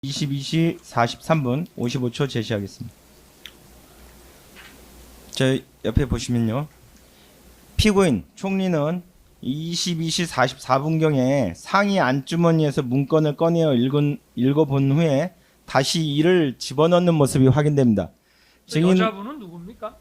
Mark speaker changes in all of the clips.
Speaker 1: 22시 43분 55초 제시하겠습니다. 저 옆에 보시면요. 피고인 총리는 22시 44분경에 상의 안주머니에서 문건을 꺼내어 읽어본 후에 다시 이를 집어넣는 모습이 확인됩니다. 증인
Speaker 2: 여자분은 누굽니까?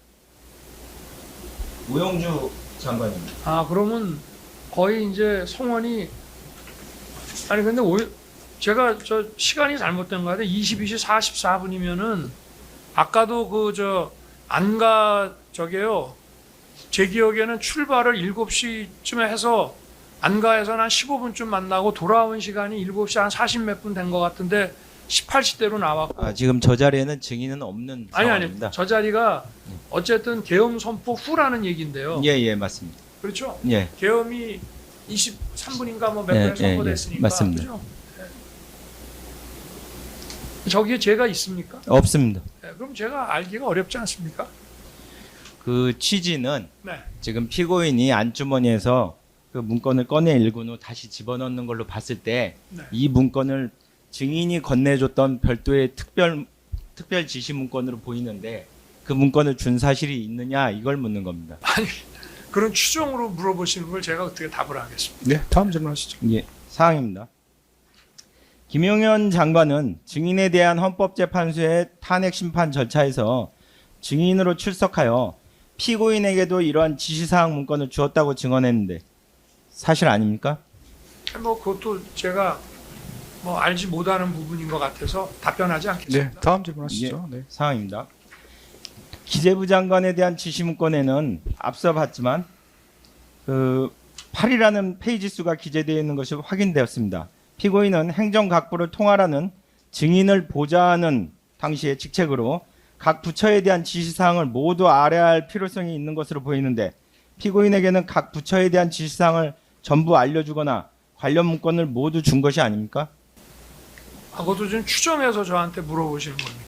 Speaker 1: 우영주 장관입니다.
Speaker 2: 아, 그러면 거의 이제 성원이 아니 근데 제가 저 시간이 잘못된 거 같아요. 22시 44분이면은 아까도 안가 저게요. 제 기억에는 출발을 7시쯤에 해서 안가에서는 한 15분쯤 만나고 돌아온 시간이 7시 한 40 몇 분 된 것 같은데 18시대로 나왔고
Speaker 1: 지금 저 자리에는 증인은 없는 상황입니다.
Speaker 2: 아니 저 자리가 어쨌든 계엄 선포 후라는 얘기인데요.
Speaker 1: 예, 맞습니다.
Speaker 2: 그렇죠?
Speaker 1: 예.
Speaker 2: 계엄이 23분인가 뭐 몇 분에 선포됐으니까.
Speaker 1: 맞습니다.
Speaker 2: 그죠? 저기에 제가 있습니까?
Speaker 1: 없습니다.
Speaker 2: 그럼 제가 알기가 어렵지 않습니까?
Speaker 1: 그 취지는
Speaker 2: 네.
Speaker 1: 지금 피고인이 안주머니에서 그 문건을 꺼내 읽은 후 다시 집어넣는 걸로 봤을 때 이
Speaker 2: 네.
Speaker 1: 문건을 증인이 건네줬던 별도의 특별 지시 문건으로 보이는데 그 문건을 준 사실이 있느냐 이걸 묻는 겁니다.
Speaker 2: 아니 그런 추정으로 물어보시는 걸 제가 어떻게 답을 하겠습니까?
Speaker 3: 네, 다음 질문하시죠.
Speaker 1: 예, 사항입니다. 김용현 장관은 증인에 대한 헌법재판소의 탄핵 심판 절차에서 증인으로 출석하여 피고인에게도 이러한 지시사항 문건을 주었다고 증언했는데 사실 아닙니까?
Speaker 2: 뭐 그것도 제가 뭐 알지 못하는 부분인 것 같아서 답변하지
Speaker 3: 네,
Speaker 2: 않겠습니다.
Speaker 3: 다음 질문하시죠. 네.
Speaker 1: 사항입니다. 기재부 장관에 대한 지시 문건에는 앞서 봤지만 그 8이라는 페이지 수가 기재되어 있는 것이 확인되었습니다. 피고인은 행정각부를 통할하는 증인을 보좌하는 당시의 직책으로 각 부처에 대한 지시사항을 모두 알아야 할 필요성이 있는 것으로 보이는데 피고인에게는 각 부처에 대한 지시사항을 전부 알려주거나 관련 문건을 모두 준 것이 아닙니까?
Speaker 2: 그것도 좀 추정해서 저한테 물어보시는 겁니다.